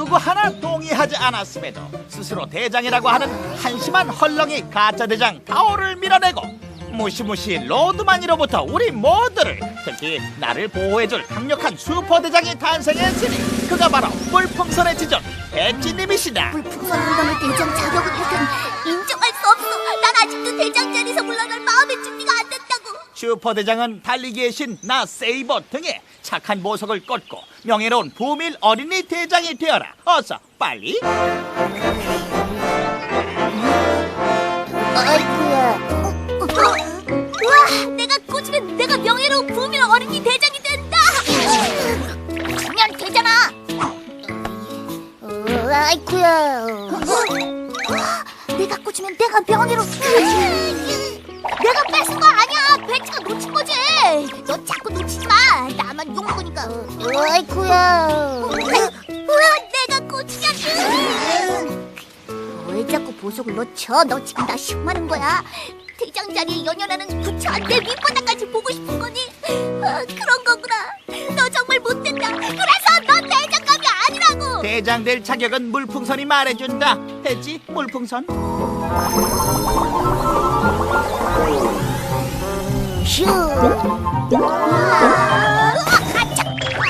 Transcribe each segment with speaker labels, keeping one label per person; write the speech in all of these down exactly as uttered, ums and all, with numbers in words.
Speaker 1: 누구 하나 동의하지 않았음에도 스스로 대장이라고 하는 한심한 헐렁이 가짜 대장 타오를 밀어내고 무시무시 로드마니로부터 우리 모두를, 특히 나를 보호해줄 강력한 슈퍼대장이 탄생했으니 그가 바로 물풍선의 지존 배지님이시다.
Speaker 2: 물풍선 물건을 대장 자격을 일단 인정할 수 없어. 난 아직도 대장 자리에서 물러날 마음의 준비가 안 됐다고.
Speaker 1: 슈퍼대장은 달리기의 신 나 세이버 등에 착한 보석을 꽂고 명예로운 부밀 어린이 대장이 되어라. 어서 빨리.
Speaker 2: 아이쿠야. 우와, 내가 꽂으면 내가 명예로운 부밀 어린이 대장이 된다. 그냥 되잖아. 어, 아이쿠야. 내가 꽂으면 내가 명예로. 내가 뺏은 거 아니야. 배지가 놓친 거지. 너 자꾸 놓치지 마. 나만 욕 먹으니까. 아이쿠야. 뭐야, 내가 꽂히냐고. 왜 자꾸 보석을 놓쳐? 너 지금 나 시험하는 거야. 대장 자리에 연연하는 부처한테 밑바닥까지 보고 싶은 거니? 아, 그런 거구나. 너 정말 못된다. 그래서 넌 대장감이 아니라고.
Speaker 1: 대장 될 자격은 물풍선이 말해준다. 했지? 물풍선.
Speaker 2: 휴. 아, 아차.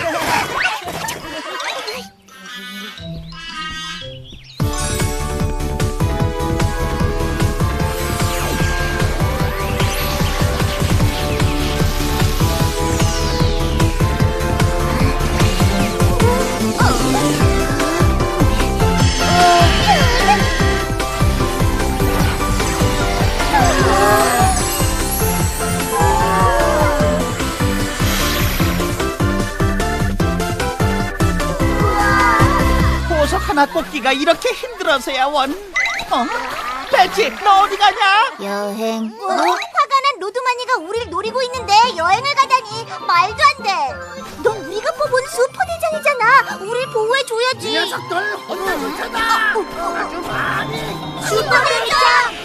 Speaker 1: 하나 꽂기가 이렇게 힘들어서야 원. 어? 배지, 너 어디 가냐?
Speaker 2: 여행. 어? 화가 난 로드마니가 우리를 노리고 있는데 여행을 가다니 말도 안 돼. 넌 우리가 뽑은 슈퍼대장이잖아. 우릴 보호해줘야지.
Speaker 3: 이 녀석들 혼내주잖아.
Speaker 2: 어, 어.
Speaker 3: 아주 많이.
Speaker 2: 슈퍼대장.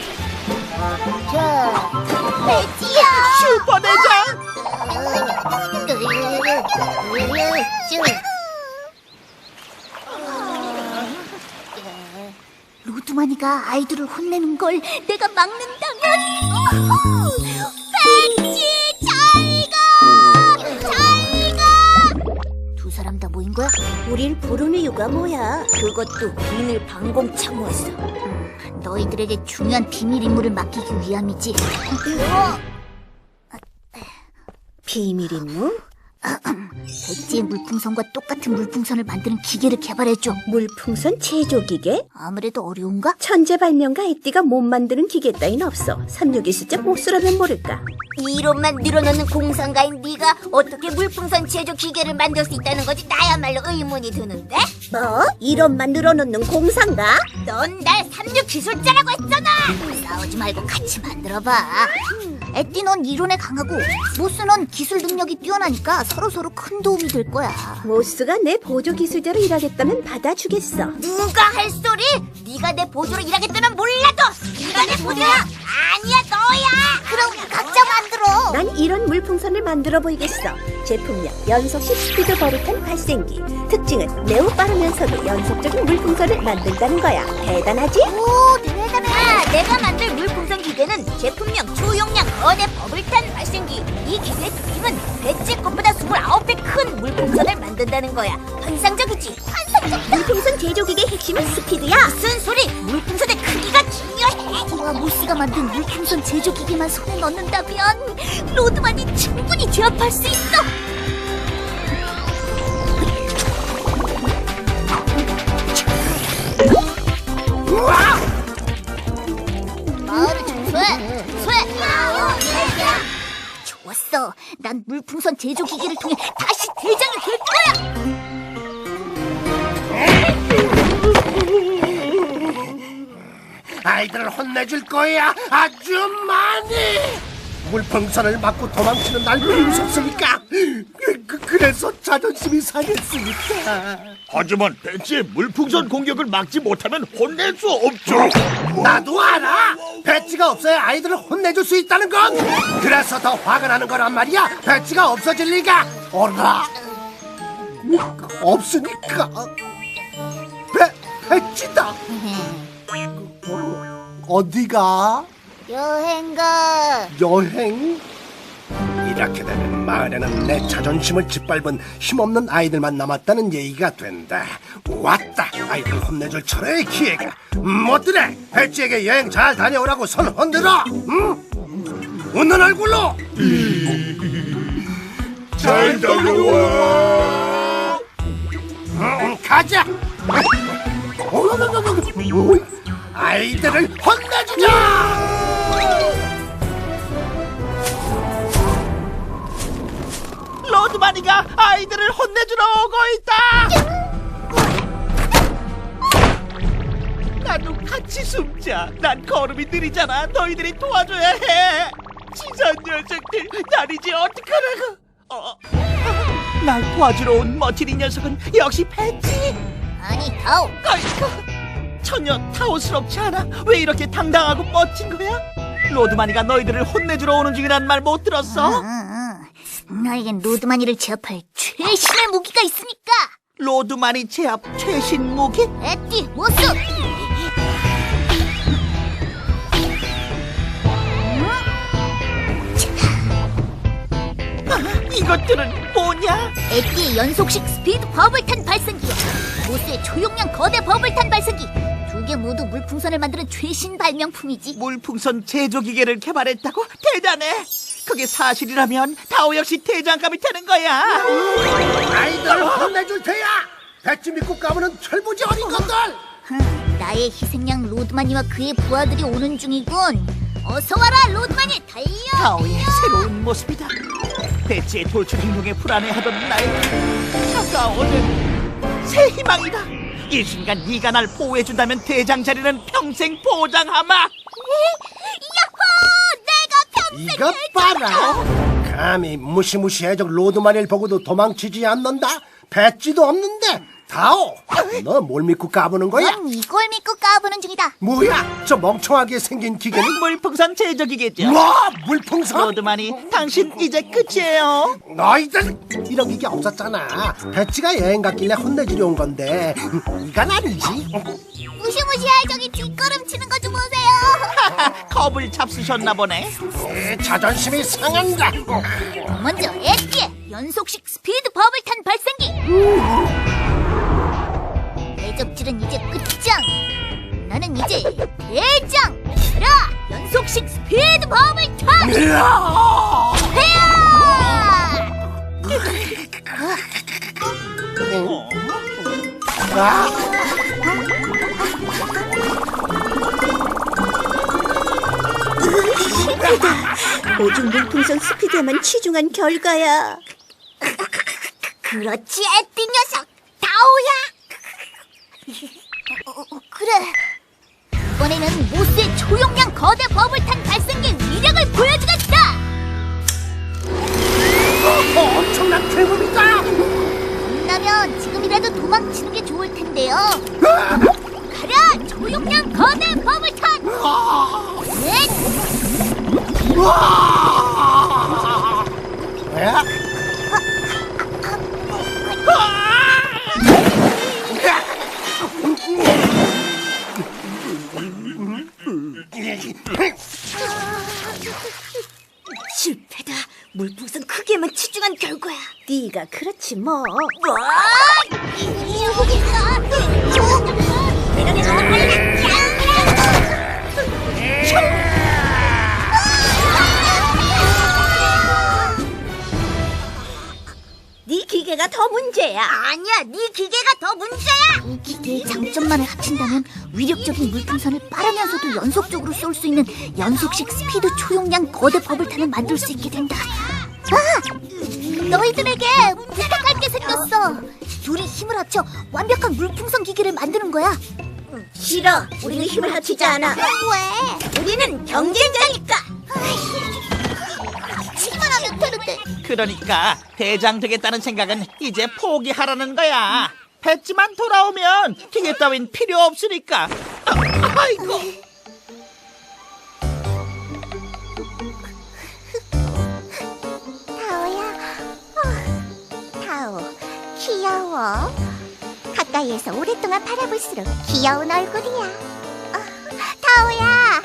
Speaker 2: 자, 배지야.
Speaker 1: 슈퍼대장.
Speaker 2: 로드마니가 아이들을 혼내는 걸 내가 막는다면. 배지, 잘 가! 잘 가! 두 사람 다 모인 거야?
Speaker 4: 우릴 부르는 이유가 뭐야? 그것도 비밀 방공 참모였어.
Speaker 2: 음, 너희들에게 중요한 비밀 임무를 맡기기 위함이지.
Speaker 4: 비밀 임무?
Speaker 2: 배지의 물풍선과 똑같은 물풍선을 만드는 기계를 개발해줘.
Speaker 4: 물풍선 제조 기계?
Speaker 2: 아무래도 어려운가?
Speaker 4: 천재발명가 에띠가 못 만드는 기계 따윈 없어. 삼육이 숫자 목수라면 모를까.
Speaker 2: 이론만 늘어놓는 공상가인 네가 어떻게 물풍선 제조 기계를 만들 수 있다는 거지? 나야말로 의문이 드는데?
Speaker 4: 뭐? 이론만 늘어놓는 공상가?
Speaker 2: 넌 날 삼육 기술자라고 했잖아. 싸우지 말고 같이 만들어봐. 에띠 넌 이론에 강하고 모스 넌 기술 능력이 뛰어나니까 서로서로 큰 도움이 될 거야.
Speaker 4: 모스가 내 보조 기술자로 일하겠다면 받아주겠어.
Speaker 2: 누가 할 소리? 네가 내 보조로 일하겠다면 몰라도 네가 내 보조야. 아니야, 너야. 그럼 각자 만들어.
Speaker 4: 난 이런 물풍선을 만들어 보이겠어. 제품명 연속식 스피드 버릇한 발생기. 특징은 매우 빠르면서도 연속적인 물풍선을 만든다는 거야. 대단하지?
Speaker 2: 오, 대단해. 아, 내가 만들 물풍선 기계는 제품명 초용량 거대 버블탄 발생기. 이 기계의 특징은 배지 것보다 스물아홉 배 큰 물풍선을 만든다는 거야. 환상적이지? 환상적이다.
Speaker 4: 물풍선 제조 기계의 핵심은 스피드야.
Speaker 2: 무슨 소리? 물풍선의 크기가 중요해. 우와, 모스가 만든 물풍선 제조 기계만 손에 넣는다면 로드만이 충분히 제압할 수 있어. 마을을 청소해. 청소해. 좋았어. 난 물풍선 제조 기계를 통해 다시 대장이 될 거야.
Speaker 3: 아이들을 혼내줄 거야. 아주 많이. 물풍선을 맞고 도망치는 날 무섭으니까. 그, 그래서 자존심이 상했으니까.
Speaker 1: 하지만 배지의 물풍선 공격을 막지 못하면 혼낼 수 없죠.
Speaker 3: 나도 알아. 배지가 없어야 아이들을 혼내줄 수 있다는 건. 그래서 더 화가 나는 거란 말이야. 배지가 없어질 리가. 어라. 없으니까. 배지다. 어디가?
Speaker 2: 여행가.
Speaker 3: 여행? 이렇게 되면 마을에는 내 자존심을 짓밟은 힘없는 아이들만 남았다는 얘기가 된다. 왔다. 아이들 혼내줄 철의 기회가. 못들래 배지에게 여행 잘 다녀오라고 손 흔들어. 응? 웃는 얼굴로. 잘 다녀와. 응, 가자. 아이들을 혼내주자.
Speaker 1: 로드마니가 아이들을 혼내주러 오고 있다. 나도 같이 숨자. 난 걸음이 느리잖아. 너희들이 도와줘야 해. 지선 녀석들, 날 이제 어떡하라고. 어. 날 도와주러 온 멋진 이 녀석은 역시 배지.
Speaker 2: 아니, 타오.
Speaker 1: 아이고, 전혀 타오스럽지 않아. 왜 이렇게 당당하고 멋진 거야? 로드마니가 너희들을 혼내주러 오는 중이란 말 못 들었어?
Speaker 2: 응, 응. 너에겐 로드마니를 제압할 최신의 무기가 있으니까.
Speaker 1: 로드마니 제압 최신 무기?
Speaker 2: 에띠, 모습.
Speaker 1: 이것들은 뭐냐?
Speaker 2: 에띠의 연속식 스피드 버블탄 발생기야. 모스의 초용량 거대 버블탄 발생기. 두 개 모두 물풍선을 만드는 최신 발명품이지.
Speaker 1: 물풍선 제조 기계를 개발했다고? 대단해. 그게 사실이라면 타오 역시 대장감이 되는 거야.
Speaker 3: 아이들을 혼내줄 테야. 배지 믿고 까부는 철부지 어린 것들.
Speaker 2: 흥, 나의 희생양 로드마니와 그의 부하들이 오는 중이군. 어서 와라 로드마니, 달려.
Speaker 1: 타오의 새로운 모습이다. 배지의 돌출 행동에 불안해하던 나에게 다가오는 새 희망이다. 이 순간 네가 날 보호해준다면 대장 자리는 평생 보장하마.
Speaker 2: 야호, 내가 평생
Speaker 3: 이것 봐라. 감히 무시무시해적 로드마니를 보고도 도망치지 않는다. 배지도 없는데. 다오, 너 뭘 믿고 까부는 거야?
Speaker 2: 난 이걸 믿고 까부는 중이다.
Speaker 3: 뭐야? 저 멍청하게 생긴 기계는?
Speaker 1: 물풍선 제조 기계죠.
Speaker 3: 와, 물풍선?
Speaker 1: 로드마니, 당신 이제 끝이에요.
Speaker 3: 너희들 이런 기계 없었잖아. 배지가 여행 갔길래 혼내주려 온 건데 이건 아니지.
Speaker 2: 무시무시할 적이 뒷걸음치는 거 좀 보세요.
Speaker 1: 겁을 잡수셨나 보네.
Speaker 3: 에, 자존심이 상한다.
Speaker 2: 먼저 에띠의 연속식 스피드 버블탄 발생기. 대접질은 이제 끝장. 나는 이제 대장. 라 연속식 스피드 버블탄. 헤야!
Speaker 4: 오직 물풍선 스피드에만 치중한 결과야.
Speaker 2: 그렇지, 에띠 녀석. 다오야. 어, 어, 어, 그래. 이번에는 모스의 초용량 거대 버블탄 발생기 위력을 보여주겠다.
Speaker 3: 어, 엄청난 괴물이다.
Speaker 2: 겁나면 지금이라도 도망치는 게 좋을 텐데요. 가라, 초용량 거대 버블탄. 넷.
Speaker 3: 뭐야?
Speaker 4: 실패다. 물풍선 크기에만 치중한 결과야. 네가 그렇지 뭐.
Speaker 2: 뭐? 이 여기가. 내가 내가 빨리.
Speaker 4: 네 기계가 더 문제야.
Speaker 2: 아니야, 네 기계가 더 문제야. 이 기계의 장점만을 합친다면 위력적인 물풍선을 빠르면서도 연속적으로 쏠 수 있는 연속식 스피드 초용량 거대 버블탄을 만들 수 있게 된다. 아! 너희들에게 부탁할 게 생겼어. 둘이 힘을 합쳐 완벽한 물풍선 기계를 만드는 거야.
Speaker 4: 싫어. 우리는 힘을 합치지 않아.
Speaker 2: 왜?
Speaker 4: 우리는 경쟁자니까.
Speaker 2: 치기만 하면 되는데.
Speaker 1: 그러니까 대장 되겠다는 생각은 이제 포기하라는 거야. 배지만 돌아오면 기계 따윈 필요 없으니까. 아, 아이고.
Speaker 2: 타오야. 타오, 귀여워. 갔다 가까이에서 오랫동안 바라볼수록 귀여운 얼굴이야. 어, 타오야.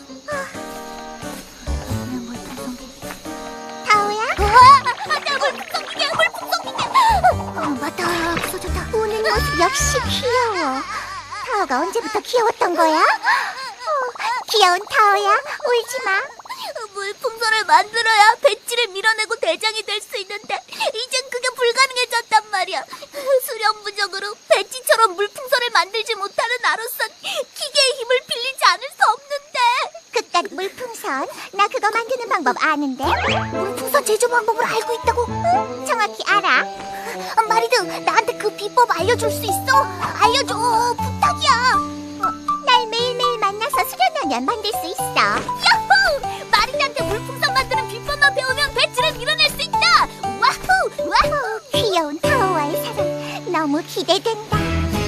Speaker 2: 타오야? 나 물풍선기계, 물풍선기계. 어, 맞다, 없어졌다. 우는 모습 역시 귀여워. 타오가 언제부터 귀여웠던 거야? 어, 귀여운 타오야, 울지 마. 물풍선을 만들어야 배지를 밀어내고 대장이 될 수 있는데 이젠 그게 불가능해졌단 말이야. 수련부적으로 배지처럼 물풍선을 만들지 못하는 나로선 기계의 힘을 빌리지 않을 수 없는데. 그깟 물풍선, 나 그거 만드는 방법 아는데. 물풍선 제조 방법을 알고 있다고? 응, 정확히 알아. 어, 마리드, 나한테 그 비법 알려줄 수 있어? 알려줘, 부탁이야. 어, 날 매일매일 만나서 수련하면 만들 수 있어. 야호! 마리드한테 물풍선 만드는 비법만 배우면 배지를 밀어낼 수 있다. 와후! 와후! 귀여운 타오와의 사랑 너무 기대된다.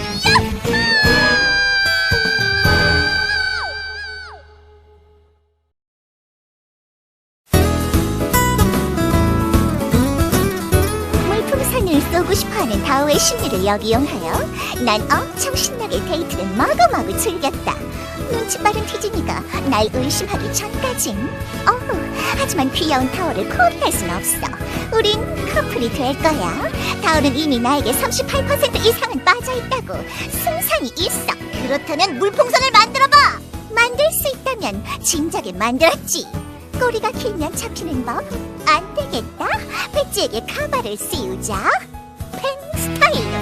Speaker 2: 물풍선을 쏘고 싶어하는 타오의 심리를 역이용하여 난 엄청 신나게 데이트를 마구마구 즐겼다. 눈치 빠른 티즈니가 날 의심하기 전까진. 어후, 하지만 귀여운 타오를 포기할 순 없어. 우린 커플이 될 거야. 타오는 이미 나에게 삼십팔 퍼센트 이상은 빠져있다고. 승산이 있어. 그렇다면 물풍선을 만들어봐. 만들 수 있다면 진작에 만들었지. 꼬리가 길면 잡히는 법. 안 되겠다. 배지에게 카바를 씌우자. 펜 스타일로.